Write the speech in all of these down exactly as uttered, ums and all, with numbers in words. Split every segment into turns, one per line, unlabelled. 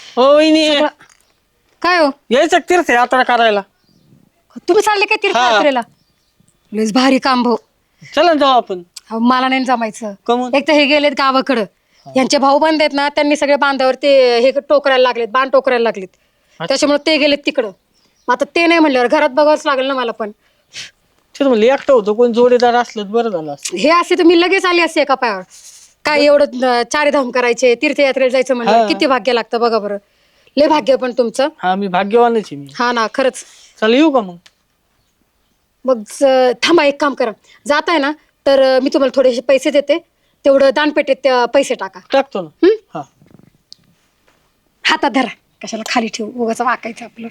हो वहिनी
सगळं- काय हो
यायचं का तीर्थयात्रा करायला?
तुम्ही चालले काय तीर्थयात्रेला? लयच भारी काम भाऊ.
चला ना जाऊ आपण.
अहो, मला नाही जमायचं.
कमून?
एक तर हे गेलेत गावाकडं, यांचे भाऊ बंद आहेत ना, त्यांनी सगळे बांधावर ते हे टोकरायला लागलेत, बांध टोकरायला लागलेत. त्याच्यामुळे ते गेलेत तिकडं. मग आता ते नाही म्हणल्यावर घरात बघावंच लागेल ना मला पण.
तेच म्हणलं एकटं होतं, कोण जोडीदार असलं तर बरं झालं असतं.
हे असे तर मी लगेच आली असते एका पायावर. काय एवढं अं, चारधाम करायचे, तीर्थयात्रेला जायचं म्हणलं
हा.
किती भाग्य लागतं बघा बरं. लय भाग्य पण तुमचं.
हा मी भाग्यवानच आहे मी.
हा ना खरंच.
चला येऊ का मग?
मग ज- थांबा एक काम करा, जाताय ना तर अं, मी तुम्हाला थोडेसे पैसे देते, तेवढं दानपेटीत अं, पैसे टाका.
टाकतो ना.
हं?
हा
हातात धरा, कशाला खाली ठेवू, उगाच वाकायचं आपलं.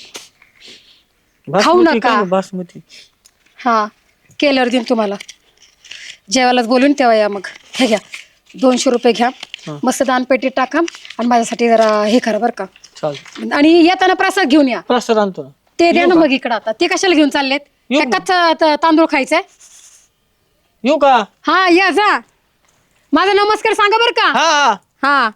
बासमती
नका.
काय ना, बासमती.
हा केल्यावर देईन तुम्हाला. जेवायलाच बोलून तेव्हा या. मग हे घ्या, दोनशे रुपये घ्या, मस्त दानपेटीत टाका आणि माझ्यासाठी जरा हे करा बरं का.
चालेल.
आणि येताना प्रसाद घेऊन या.
प्रसाद आणतो ना.
ते द्या ना मग इकडं. आता ते कशाला घेऊन चाललेत?
येऊ
काय कच्चा त- तांदूळ खायचंय?
येऊ का?
हा या जा. माझा नमस्कार सांगा बरं का.
हा हा.
हा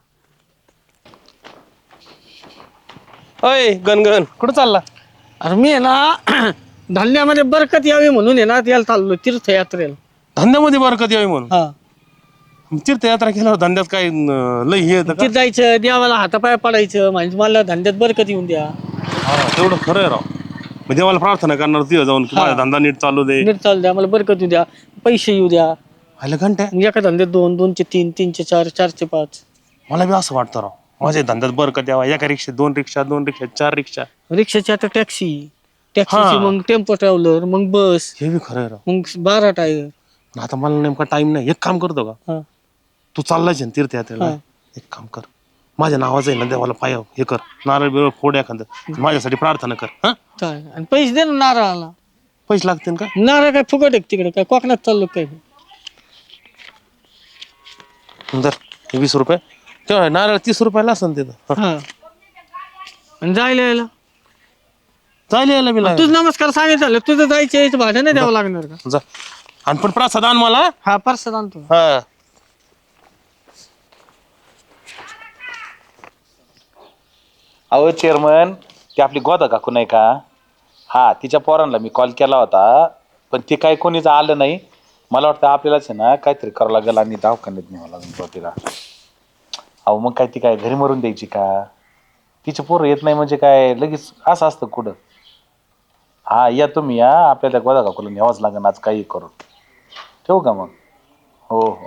अय गणगण कुठं चालला?
अरे मी आहे ना धान्यामध्ये बरकत यावी म्हणून आहे ना त्याला चाललो तीर्थयात्रेला.
धंद्यामध्ये बरकत यावी म्हणून.
हा
तीर्थयात्रा केल्यावर धंद्यात काय न- लय हे येतं का?
तिथे जायचं, देवाला हातापाय पडायचं, म्हणजे मला धंद्यात बरकत येऊन द्या.
हा, तेवढं खरं आहे राव. म्हणजे देवाला प्रार्थना करणार तिथं जाऊन की माझा धंदा नीट चालू दे.
नीट चालू द्या, मला बरकत येऊ द्या, पैसे येऊ द्या.
आलं घंटे
मग एका धंद्यात दोन, दोनचे तीन, तीनचे चार, चारचे पाच.
मला बी असं वाटतं राव, माझ्या धंद्यात बरकत यावा. एका रिक्षा दोन रिक्षा दोन रिक्षा चार रिक्षा.
रिक्षाची आता टॅक्सी, टॅक्सीची
हा.
मग टेम्पो ट्रॅव्हलर, मग बस,
हे बी खरं आहे राव.
मग बारा टायर.
आता मला नेमका टाइम नाही. एक काम करतो का,
हा
तू चाललाय ना तीर्थयात्रेला,
हा.
एक काम कर, माझ्या नावाचं आहे ना देवाला पाय हे कर, नारळ बिरळ फोड एखादं, माझ्यासाठी प्रार्थना कर. हा,
चालेल. आणि पैसे दे ना नारळाला.
पैसे लागतील का?
नारळ काय फुकट आहे का तिकडे? काय कोकणात चाललो काय?
दर हे वीस रुपये. तेव्हा नारळ तीस रुपयाला असेल तिथं.
हा आणि जायला यायला
चालेल यायला बी लागेल.
तुझं नमस्कार सांगितलं, तुझं जायचं यायचं भाडं नाही द्यावं लागणार का?
जा. आणि पण प्रसाद आण मला.
हा परसाद आणतो.
हा.
अहो चेअरमन, ती आपली गोदा काकू नाही का, हा तिच्या पोरांना मी कॉल केला होता, पण ते काही कोणीच आलं नाही. मला वाटतं आपल्यालाच आहे ना काहीतरी करावं लागेल आणि दवाखान्यात न्यावं लागेल तिला. अहो मग काय ती काय घरी मरून द्यायची का? तिचे पोरं येत नाही म्हणजे काय लगेच असं असतं कुठं? हा या तुम्ही या, आपल्याला गोदा काकूला न्यावंच लागेल आज काही करून. ठेवू का मग? हो हो.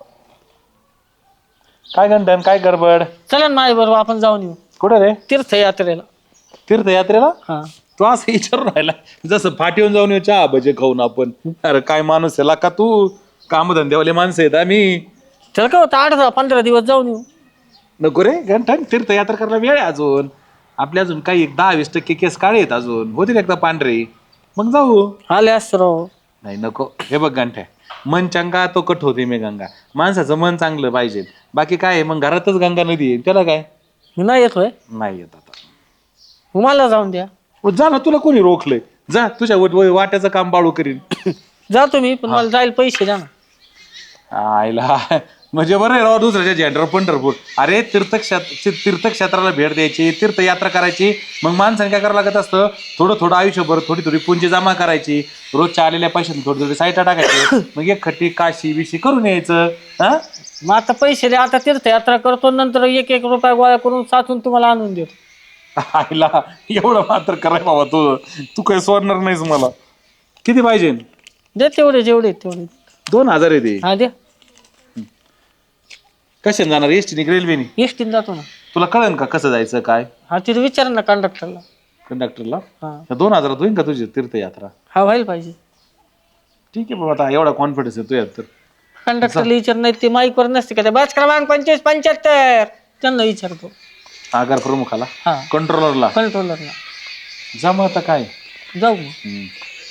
काय गंठन, काय गडबड?
चला ना माझ्या बरोबर आपण जाऊन येऊ
कुठं रे?
तीर्थयात्रेला.
तीर्थयात्रेला?
हा
तू असं विचारून राहिला जसं फाटीवर जाऊन येऊ चहा भजे खाऊन आपण. अरे काय माणूस आहे का तू? कामधंद्यावाले माणसं आहेत आम्ही.
चल का होतं, आठ दहा पंधरा दिवस जाऊन येऊ.
नको रे गंठन, तीर्थयात्रा करायला वेळ आहे अजून. आपले अजून काही एक दहा वीस टक्के केस काळे आहेत अजून, होतील एकदा पांढरे, मग जाऊ.
आले असतं राव.
नाही नको. हे बघ गंठ्या, मन चंगा तो कट होते मी गंगा. माणसाचं मन चांगलं पाहिजे, बाकी काय आहे, मग घरातच गंगा नदी आहे, त्याला काय.
मी नाही येतोय,
नाही येत आता.
मग मला जाऊन द्या.
ओ, जा ना, तुला कोणी रोखलंय? जा, तुझ्या वा- वाट्याचं काम बाळू करीन.
जातो मी, पण मला जायला पैसे द्या ना.
आईला म्हणजे बरं आहे राव, दुसऱ्याच्या झेंडर पंढरपूर. अरे तीर्थक्षेत्र तीर्थक्षेत्राला भेट द्यायची, तीर्थयात्रा करायची, मग माणसाने काय करावं लागत असतं, थोडं थोडं आयुष्यभर थोडी थोडी पुंजी जमा करायची, रोजच्या आलेल्या पैशाने थोडी थोडी साईटा टाकायची, मग एक खट्टी काशी बिशी करून यायचं. हा
मग आता पैसे द्या, आता तीर्थयात्रा करतो, नंतर एक एक रुपया गोळा करून साचून तुम्हाला आणून देतो.
आईला एवढं मात्र कराय बाबा, तू तू काही सोडणार नाहीस मला. किती पाहिजे?
दे तेवढे जेवढे आहेत तेवढे.
दोन हजार आहे ते.
हा द्या.
कशाने जाणार? एसटीने रेल्वेने?
एसटीने जातो ना.
तुला कळन का कसं जायचं काय?
हा तिथे विचार ना कंडक्टरला.
कंडक्टरला?
हा
दोन हजारात होईल का तुझी तीर्थयात्रा?
हा व्हायला पाहिजे.
ठीक आहे बाबा, आता एवढा कॉन्फिडन्स आहे तुझ्यात तर.
कंडक्टरला विचार नाही, ते माईकवर नसते का, ते बस क्रमांक पंचवीस पंच्याहत्तर त्यांना विचारतो.
आगार प्रमुखाला,
हा
कंट्रोलरला.
कंट्रोलरला.
जा मग आता काय.
जाऊ मग.
हम्म.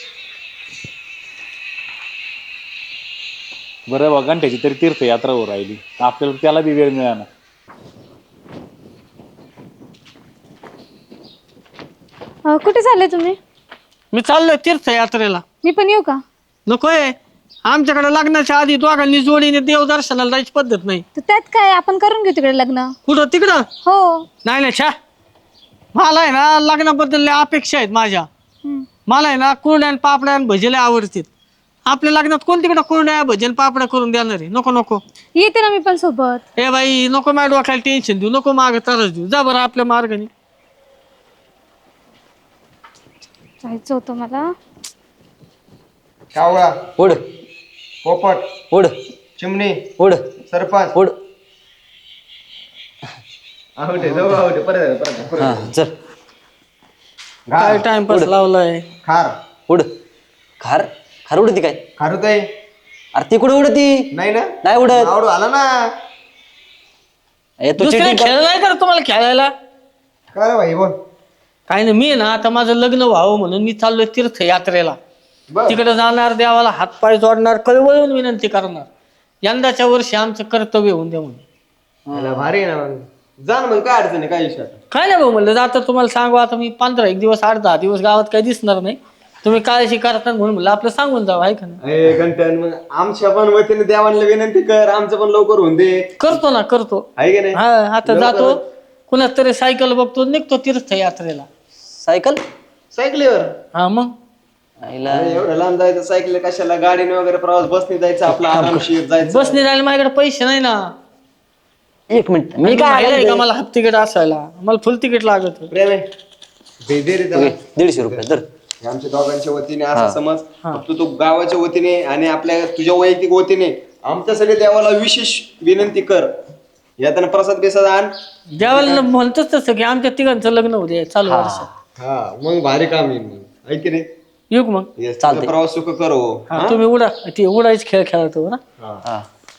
बरं बा, घंट्याची तरी तीर्थयात्रा हो राहिली, आपल्याला त्याला बी वेळ मिळाला.
अ, कुठे चालले तुम्ही?
मी चाललोय तीर्थयात्रेला.
मी पण येऊ का?
नकोय, आमच्याकडे लग्नाच्या आधी दोघांनी जोडीने देव दर्शनाला जायची पद्धत नाही.
तर त्यात काय आपण करून घेऊ तिकडे लग्न.
कुठं तिकडं?
हो.
नाही नाही छा मला आहे ना लग्नाबद्दल लय अपेक्षा आहेत माझ्या.
हम्म.
मला आहे ना कुरड्या पापड्या आणि भजे लय आवडतात. आपल्या लग्नात कोण तिकडं कुरड्या भजन पापड्या करून देणार आहे? नको नको.
येते ना मी पण सोबत.
ए बाई नको माझ्या डोक्याला टेन्शन देऊ, नको माग त्रास देऊ. जा बरं आपल्या मार्गाने.
जायचं होतं मला.
कावळा
उड
पोपट
उड
चिमणी
उड
सरपंच
उड.
आवडे जाऊ आवडे परत परत परत.
हा चल
काय टाइमपास लावलाय.
खार
उड. खार खार उडती काय?
खारुताई
अरे ती कुठे उडती?
नाही ना
नाही उडत.
आवडू आला ना.
ए, तू
दुसऱ्या
cheating कर-
खेळ नाही का तुम्हाला खेळायला?
काय रे भाई बोल.
काय नाही मी ना आता माझं लग्न व्हावं म्हणून मी चाललोय तीर्थयात्रेला.
बर
तिकडे जाणार, देवाला हातपाय जोडणार, कळवळून विनंती करणार. यंदाच्या वर्षी आमचं कर्तव्य होऊन द्या म्हणून.
याला भारी आहे ना मग. जा ना मग काय अडचण आहे काय विषय आता.
काय नाही भाऊ म्हणलं जातं तुम्हाला सांगू. आता मी पंधरा एक दिवस आठ दहा दिवस गावात काही दिसणार नाही. तुम्ही काळजी करता म्हणून म्हणलं आपलं सांगून जावं आहे का नाही.
ए घंटन मग आमच्या पण वतीने देवांना विनंती कर. आमचं पण लवकर होऊन दे.
करतो ना करतो.
आहे की नाही.
हा आता जातो कुणाच तरी सायकल बघतो निघतो तीर्थयात्रेला.
सायकल
सायकलीवर.
हा मग
आईला
अरे एवढं लांब जायचं सायकल कशाला. गाडीने वगैरे प्रवास बसने जायचं आपला आरामशीर जायचं.
बसने जायला माझ्याकडे पैसे नाही ना.
एक मिनिट मी
मी
काय
काय का मला हाफ तिकीट असायला मला फुल तिकीट लागत.
प्रेम आहे दे दे रे त्याला.
दीडशे रुपये तर
हे आमच्या दोघांच्या वतीने असं समज. फक्त तू गावाच्या वतीने आणि आपल्या तुझ्या वैयक्तिक वतीने आमच्यासाठी देवाला विशेष विनंती कर. यातना प्रसाद बिसाद आण.
देवाला म्हणतोच तसं की आमच्या तिघांचं लग्न होऊ दे चालू वर्षात.
हा मग भारी काम येईल मग. ऐक रे
येऊ का मग.
Yes, तुझा प्रवास सुख करो.
हा तुम्ही उडा ते उडायच खेळ खेळतो ना.
हा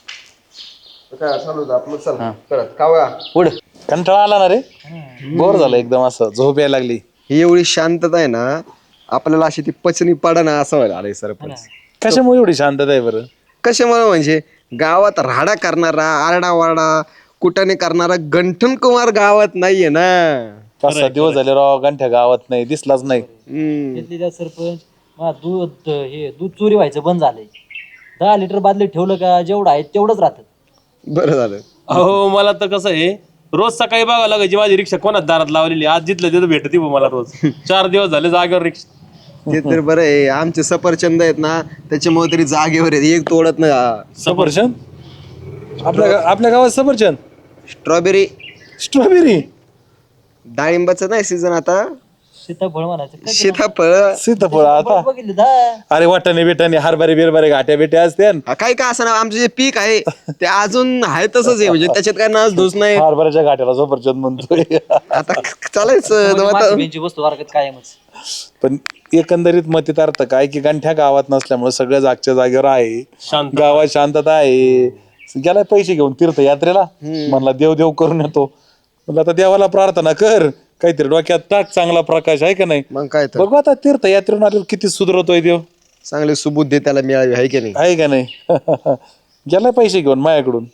काय चालू होतं आपलं. चल करत कावळा.
उड.
कंटाळा आला ना रे. बोर झालं एकदम, असं झोप यायला लागली.
ही एवढी शांतता आहे ना आपल्याला अशी ती पचनी पडा ना असं व्हायला आलंय सरपंच.
कशामुळे एवढी शांतता आहे बरं?
कशामुळे म्हणजे गावात राडा करणारा आरडा वारडा कुटाने करणारा गंठन कुमार गावात नाहीये ना.
पाच सात दिवस झाले राव गंठ्या गावात नाही दिसलाच नाही.
हम्म.
सरपंच मला दूध हे दूध चोरी व्हायचं बंद झालंय. दहा लिटर बादली ठेवलं का जेवढं आहे तेवढंच राहतं.
बरं झालं.
अहो मला तर कसं आहे रोज सकाळी बघावं लागायची माझी रिक्षा कोणाच दारात लावलेली. आज जिथलं तिथं भेटती बुवा मला रोज. चार दिवस झाले जागेवर रिक्षा.
ते तर बरं आहे. आमचे सफरचंद आहेत ना त्याच्यामुळे तरी जागेवर आहेत. एक तोडत ना.
सफरचंद आपल्या गा- आपल्या गावात सफरचंद
स्ट्रॉबेरी
स्ट्रॉबेरी
डाळिंबाचं नाही सीझन आता.
सीताफळ म्हणायचं
सीताफळ
सीताफळ आता.
बघितलं दहा.
अरे वाटाणे बिटाणे हरभरे बिरभरे घाट्या बिट्या असते.
काही का असं ना आमचं जे पीक आहे ते अजून आहे तसंच आहे. म्हणजे त्याच्यात काय नाच धूस नाही.
हरभऱ्याच्या घाट्याला सफरचंद म्हणतोय.
आता चालायचं
म्हणजे
आता.
मासिक वस्तू वर्गात कायमच.
पण एकंदरीत मतीत अर्थ काय की गंठ्या गावात नसल्यामुळे सगळं जागच्या जागेवर आहे. गावात शांतता आहे. गेलाय पैसे घेऊन तीर्थयात्रेला म्हणला देव देव करून येतो. म्हणलं आता देवाला प्रार्थना कर काहीतरी डोक्यात टाक चांगला प्रकाश आहे का नाही.
मग काय तर
बघू आता तीर्थयात्रेतून आलेलं किती सुधरवतोय देव.
चांगले सुबुद्धी त्याला मिळावी आहे की नाही.
आहे का नाही. गेलाय पैसे घेऊन माझ्याकडून.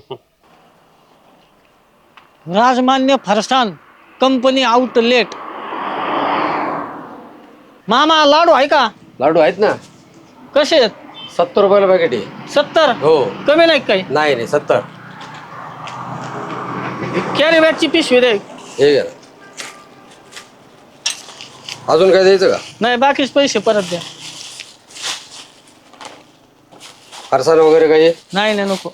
Rajmanya Farsan company outlet. मामा लाडू आहे का?
लाडू आहेत ना.
कसे आहेत?
सत्तर रुपयाला पॅकेट आहे.
सत्तर
हो.
कमी नाही काही.
नाही नाही सत्तर.
कॅरी बॅगची पिशवी दे.
हे घ्या. अजून काय द्यायचं का?
नाही बाकीच पैसे परत द्या.
फरसाण वगैरे काही?
नाही नाही नको.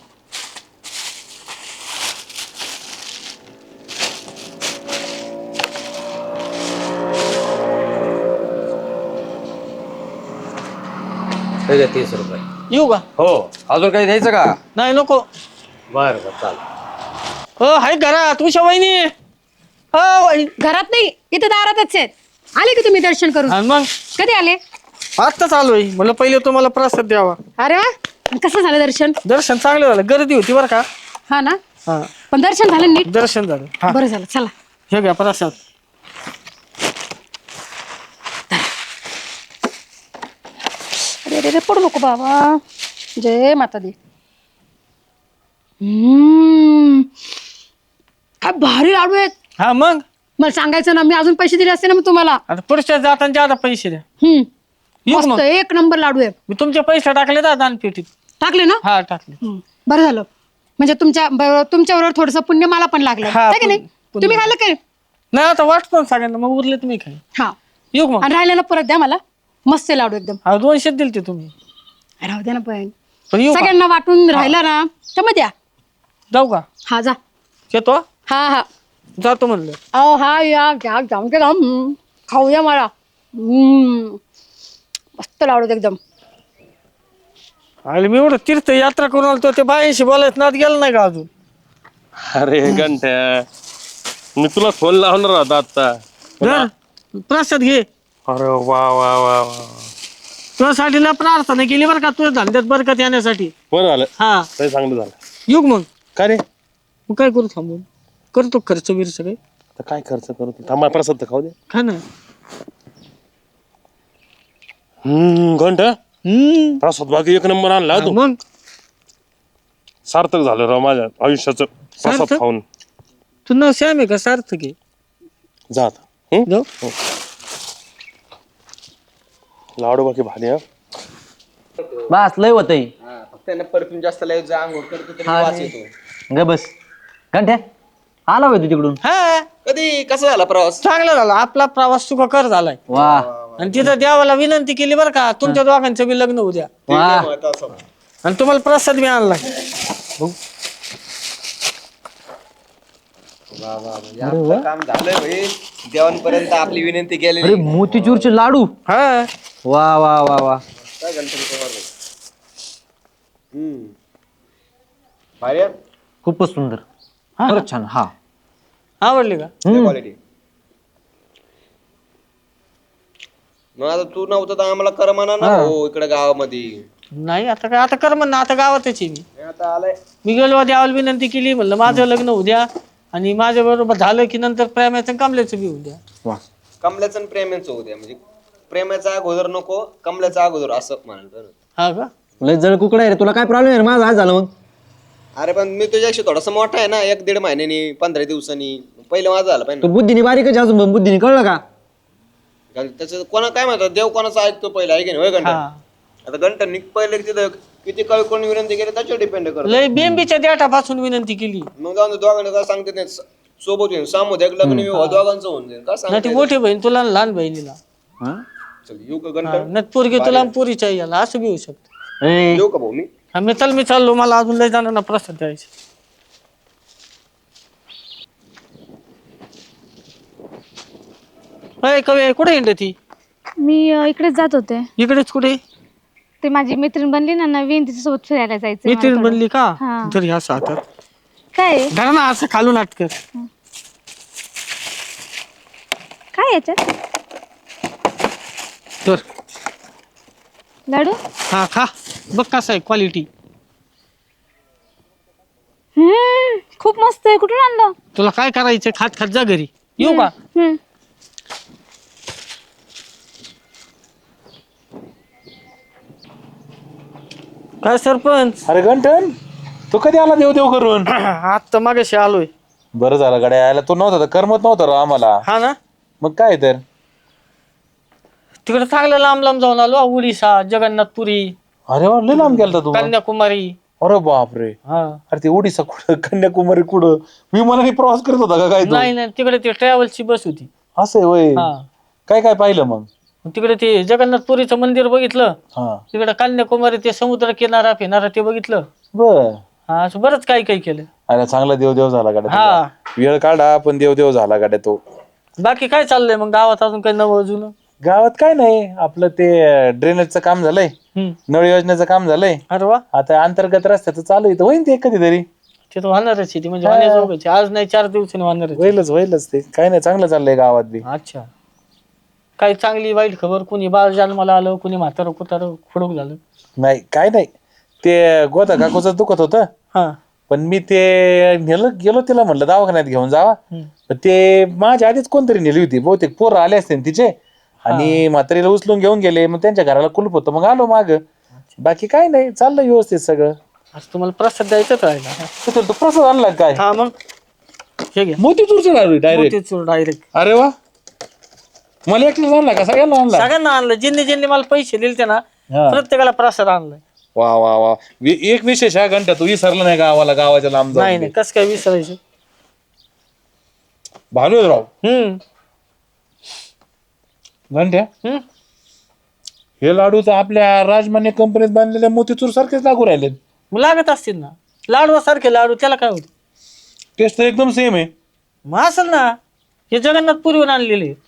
हे घ्या तीस रुपये.
येऊ का?
हो. अजून काही द्यायचं का?
नाही नको.
बरं बरं चालेल.
हो आहे घरात उषा वहिनी. हो वहिनी.
घरात नाही इथं दारातच आहेत. आले की तुम्ही दर्शन करून?
आणि मग
कधी आले?
आत्ताच आलोय. म्हणलं पहिले तुम्हाला प्रसाद द्यावा.
अरे वा. कसं झालं दर्शन?
दर्शन चांगलं झालं. गर्दी होती बरं का.
हा ना.
हा
पण दर्शन झालं नीट?
दर्शन झालं. हा
बरं झालं. चला
हे घ्या प्रसाद.
अरे अरे अरे पडू नको बाबा. जय माता दी. हम्म काय भारी लाडू आहेत.
हा मग
मला सांगायचं ना मी अजून पैसे दिले असते ना मग तुम्हाला.
आता पुढच्या जाताना ज्यादा पैसे द्या.
हम्म
येऊ
मस्त
मग.
एक नंबर लाडू आहे.
मी तुमचे पैसे टाकले ना दानपेटीत.
टाकले ना?
हा टाकले.
हं, बरं झालं. म्हणजे तुमच्या बरोबर तुमच्याबरोबर थोडस पुण्य मला पण लागलं
हा,
आहे की नाही?
पुण्य-
तुम्ही खाल्लं काय?
नाही आता वाटतो सगळ्यांना, मग उरले तुम्ही काय.
हा,
येऊ मग.
आणि राहिलेलं परत द्या मला. मस्त आहे लाडू एकदम.
हा दोनशे दिलते तुम्ही.
राहू द्या ना पण.
पण येऊ का?
सगळ्यांना वाटून राहिला ना तर मग द्या.
जाऊ का?
हा जा.
येतो.
हा हा
जातो म्हणलं.
अहो हा या घ्या जाऊन के जाऊन हम्म, खाऊया मला. हम्म, मस्त लाडू आहेत एकदम.
आणि मी एवढं तीर्थयात्रा करून आलो ते बायांशी बोलायचं नाद गेला नाही का अजून.
अरे घंट्या मी तुला फोन लावणार होता आता.
धर, प्रसाद घे.
अरे वा वा वा वा
तुझ्यासाठी ना प्रार्थना केली बरं का, तुझ्या धंद्यात बरकत येण्यासाठी.
बरं झालं.
हा
ते चांगलं झालं.
येऊ का मग.
काय रे
मग काय करू थांबून, करतो खर्च बिर्च काही.
आता काय खर्च करतो थांबा प्रसाद तर खाऊ दे.
खा ना.
हम्म घंटा
हम्म
प्रसाद बाकी एक नंबर आणला तू.
मग
सार्थक झालं राव माझ्या आयुष्याचं प्रसाद
सार्थक?
खाऊन.
तू नाव श्याम आहे का सार्थक आहे?
जा आता. हम्म?
जाऊ.
लाडू बाकी भारी हा.
बस लय होतंय.
फक्त परफ्यूम जास्त लावत जा, आंघोळ करतो तरी वास येतो.
ग बस घंट्या आला होय तू तिकडून.
हा
कधी कसा झाला प्रवास?
चांगला झाला आपला प्रवास सुखकर झालाय.
वा
आणि तिथं देवाला विनंती केली बरं का, तुमच्या दोघांचं बी लग्न उद्या.
वा
आणि तुम्हाला प्रसाद बी आणलाय.
आपलं काम झालंय भाई. देवांपर्यंत आपली विनंती
अरे
केलेली.
मोतीचूरचे लाडू.
हा
वा वा वा वा
काय गणपती कुमार भाई. हम्म भारी आहे.
खूपच सुंदर. खरंच छान. हा
आवडले का?
क्वालिटी. मग आता तू नव्हतं तर आम्हाला करमाना ना हो इकडे गावामध्ये.
नाही आता काय, आता कर म्हणणं, आता गावातच आहे मी.
हे आता आलाय.
मी गेलो देवाला विनंती केली, म्हणलं माझं लग्न उद्या आणि माझ्या बरोबर झालं की नंतर प्रेमाचं कमल्याचं बी उद्या.
वा
कमल्याचं आणि प्रेमाचं होऊ द्या. म्हणजे प्रेमाचा अगोदर नको, कमल्याचा अगोदर असं म्हणाल.
हा का?
लय जळ कुकडा आहे रे. तुला काय प्रॉब्लेम आहे? माझं आज झालं मग.
अरे पण मी तुझ्याशी थोडासा मोठा आहे ना, एक दीड महिन्यानी पंधरा दिवसांनी. पहिलं माझं झालं पाहिजे
तू बुद्धीने बारीकच आहे अजून पण बुद्धीने कळलं का?
ना. त्याचं कोणा काय म्हणतात, देव कोणाचं ऐकतो पहिला आहे की नाही होय घंटा.
हा
आता घंटा निक पहिले तिथं किती काळ कोणी विनंती केली त्याच्यावर डिपेंड करतो.
लय बेंबीच्या देठापासून विनंती केली.
मग जाऊन दोघांना काय सांगते नाही, सोबत येऊन सामुदायिक लग्न विवाह दोघांचं होऊन जाईल. का
नाही ती
सांगते
मोठी बहीण तुला आणि लहान बहिणीला.
हा?
चल येऊ का घंटा?
नाही पोरगी तुला आणि पोरीच्या याला असं बी होऊ शकतं.
ए,
येऊ का भाऊ मी?
हा मी चल मी चाललो, मला अजून लय जाणार ना प्रसाद द्यायचे. अय कवे कुठे हिंड ती?
मी अं, इकडेच जात होते.
इकडेच कुठे?
ते माझी मैत्रीण बनली ना नवीन, तिच्यासोबत फिरायला जायचं.
मैत्रीण बनली का?
हा.
तर ह्या सातात
काय आहे?
धर ना असं खालून अटकर.
काय याच्यात?
तर
लाडू.
हा खा बघ कसं आहे क्वालिटी.
हम्म खूप मस्त आहे. कुठून आणलं?
तुला काय करायचं, खात खात जा घरी. येऊ का?
हम्म
काय सरपंच?
अरे घंटन तू कधी आला देव देव करून?
आता मागाशी आलोय.
बरं झालं गाड्या यायला. तू नव्हता तर करमत नव्हतं राव आम्हाला.
हा ना,
मग काय तर
तिकडे चांगलं लांब लांब जाऊन आलो. उडीसा, जगन्नाथपुरी,
अरे वा लय लांब गेलता तू.
कन्याकुमारी.
अरे बापरे.
हा
अरे ते ओडिसा कुठं, कन्याकुमारी कुठं? विमानाने प्रवास करत होता का काय तू?
नाही नाही तिकडे ते ट्रॅव्हलची बस होती.
असं आहे होय.
हा
काय काय पाहिलं मग?
तिकडे ते जगन्नाथपुरीचं मंदिर बघितलं.
हा
तिकडे कन्याकुमारी ते समुद्र किनारा फिनारा ते बघितलं.
बर.
हा असं बरंच काही काही केलं.
अरे चांगला देव देव झाला गाड्या
हा.
तुझा. वेळ काढा पण देव देव झाला गाड्या तो.
बाकी काय चाललंय मग गावात अजून काही नवं अजून?
गावात काय नाही, आपलं ते ड्रेनेजचं काम झालंय,
हम्म.
नळ योजनेचं काम झालंय.
अरे वा,
आता अंतर्गत रस्त्याचं चालू आहे, तर होईन ते कधीतरी.
ते तर होणारच आहे ती, म्हणजे होण्याजोगच आहे. आज नाही चार दिवसांनी होणारच.
होईलच होईलच ते. काय नाही, चांगलं चाललंय गावात बी.
अच्छा, काही चांगली वाईट खबर? कोणी बाळ जन्माला आलं, कोणी म्हातारं कुतारं खुडूक झालं?
नाही काय नाही, ते गोदा काकूचं दुखत होतं,
हा
पण मी ते नेलं गेलो तिला म्हणलं दवाखान्यात घेऊन जावा. पण ते माझ्या आधीच कोणतरी नेली होती, बहुतेक पोरं आले असते ना तिचे, आणि म्हातारीला उचलून घेऊन गेले. मग त्यांच्या घराला कुलूप होतं, मग आलो माग. बाकी काय नाही, चाललं व्यवस्थित सगळं.
आज तुम्हाला प्रसाद द्यायचाच राहिला.
तू प्रसाद आणला काय?
हा मग हे घ्या,
मोतीचूरचं लाडू डायरेक्ट.
मोतीचूर डायरेक्ट.
अरे वा, मला एकटीच आणला का सगळ्यांना आणला?
सगळ्यांना आणलं, ज्यांनी ज्यांनी मला पैसे दिले ते ना
हा.
प्रत्येकाला प्रसाद आणलाय.
वा वा वा वि- एक विशेष हा घंटा तू विसरला नाही गावाला, गावाच्या लांब
नाही
जाऊन
नाही कसं काय विसरायचं.
भानुराव
हम्म
घंट्या
हम्म
हे लाडू तर आपल्या राजमान्य कंपनीत बांधलेल्या मोतीचूर सारखेच लागू राहिले.
मग लागत असतील ना लाडू सारखे लाडू, त्याला काय होत.
टेस्ट तर एकदम सेम आहे.
मग असेल ना, हे जगन्नाथ पुरीहून आणलेले आहेत.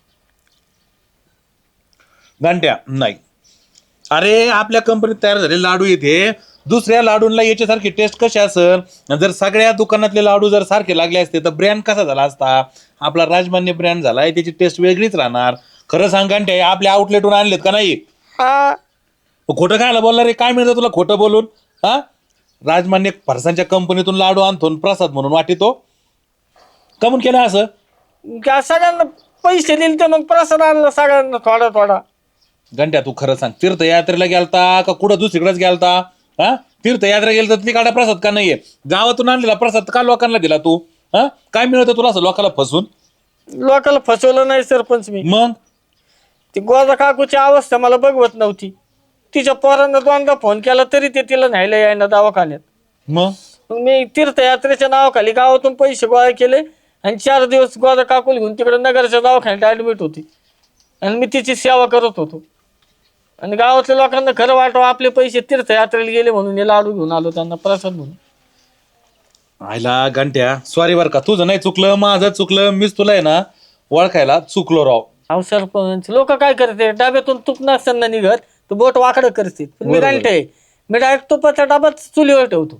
घंट्या नाही, अरे आपल्या कंपनीत तयार झालेले लाडू येते दुसऱ्या लाडूंना याच्यासारखी टेस्ट कशी असेल. जर सगळ्या दुकानातले लाडू जर सारखे लागले असते तर ब्रँड कसा झाला असता. आपला राजमान्य ब्रँड झालाय, त्याची टेस्ट वेगळीच राहणार. खरं सांग घंट्या, आपल्या आउटलेटहून आणलेत का नाही?
हा
खोटं खायला बोलला रे, काय मिळतं तुला खोटं बोलून? हा, राजमान्य फरसांच्या कंपनीतून लाडू आणतो आणि प्रसाद म्हणून वाटितो. कमून केलं असं?
का सगळ्यांना पैसे दिले तर मग प्रसाद आणला सगळ्यांना थोडा थोडा.
घंट्या तू खरं सांग, तीर्थयात्रेला गेलता का कुठं दुसरीकडेच गेलता? हा, तीर्थयात्रा गेलता तर तिकडे प्रसाद का नाहीये? गावातून आणलेला प्रसाद का लोकांना दिला तू? हा, काय मिळतं तुला असं लोकांना फसून?
लोकांना फसवलं नाही सरपंच मी.
मग
ती गोदा काकूची अवस्था मला बघवत नव्हती. तिच्या पोरांना दोनदा फोन केला तरी ते तिला न्यायला यायना दवाखान्यात.
मग
मग मी तीर्थयात्रेच्या नावाखाली गावातून पैसे गोळा केले आणि चार दिवस गोदा काकूला घेऊन तिकडे नगरच्या दवाखान्यात ऍडमिट होती आणि मी तिची सेवा करत होतो. आणि गावातल्या लोकांना खरं वाटावं आपले पैसे तीर्थयात्रेला गेले म्हणून हे लाडू घेऊन आलो त्यांना प्रसाद म्हणून.
आयला घंट्या सॉरी बर का, तुझं नाही चुकलं, माझं चुकलं. मीच तुला आहे ना ओळखायला चुकलो राव.
अहो सरपंच, लोक काय करते, डब्यातून तूप नसताना निघत तर बोट वाकडं करते. पण मी घंटे मी डायरेक्ट तुपाचा डबाच चुलीवर ठेवतो.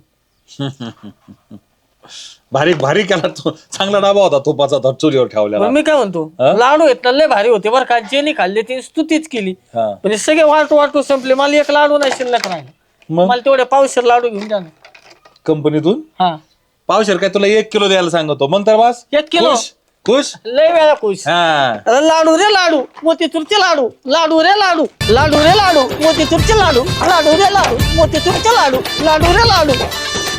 भारी भारी केला तू, चांगला डाबा होता तुपाचा तो चुलीवर ठेवलेला.
मग मी काय म्हणतो, लाडू आहेत ना लय भारी होते बरं का. ज्यांनी खाल्ले ती स्तुतीच केली.
हा.
पण हे सगळे वाटू वाटू संपले. मला एक लाडू नाही शिल्लक राहिला.
मग
मला तेवढे पावशेर लाडू घेऊन द्या ना.
कंपनीतून
हा
पावशेर काय तुला एक किलो द्यायला सांगतो, मग तर बस.
एक किलो?
खुश खुश.
लय वेळा खुश.
हा,
अरे लाडू रे लाडू, मोतीचूरचे लाडू, लाडू रे लाडू, लाडू रे लाडू, मोतीचूरचे लाडू, लाडू रे लाडू, मोतीचूरचे लाडू, लाडू रे लाडू.